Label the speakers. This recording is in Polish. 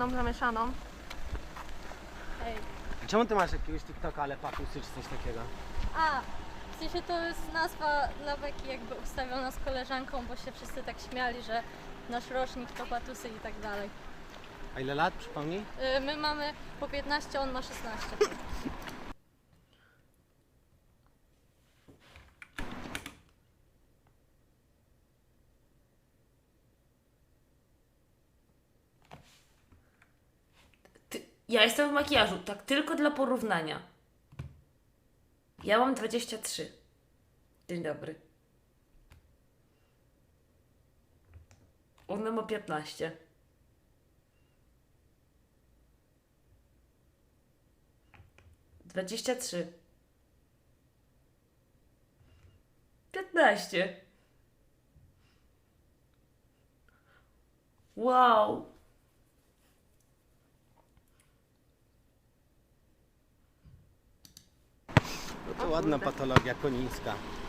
Speaker 1: zieloną zamieszaną.
Speaker 2: Ej.
Speaker 3: Czemu ty masz jakiegoś TikToka, ale patusy czy coś takiego?
Speaker 2: A, w sensie to jest nazwa dla beki jakby ustawiona z koleżanką, bo się wszyscy tak śmiali, że nasz rocznik to patusy i tak dalej.
Speaker 3: A ile lat, przypomnij?
Speaker 2: My mamy po 15, on ma 16.
Speaker 4: Ja jestem w makijażu, tak tylko dla porównania. Ja mam 23. Dzień dobry. Ona ma 15. Dwadzieścia trzy. 15. Wow.
Speaker 3: No to ładna patologia konińska.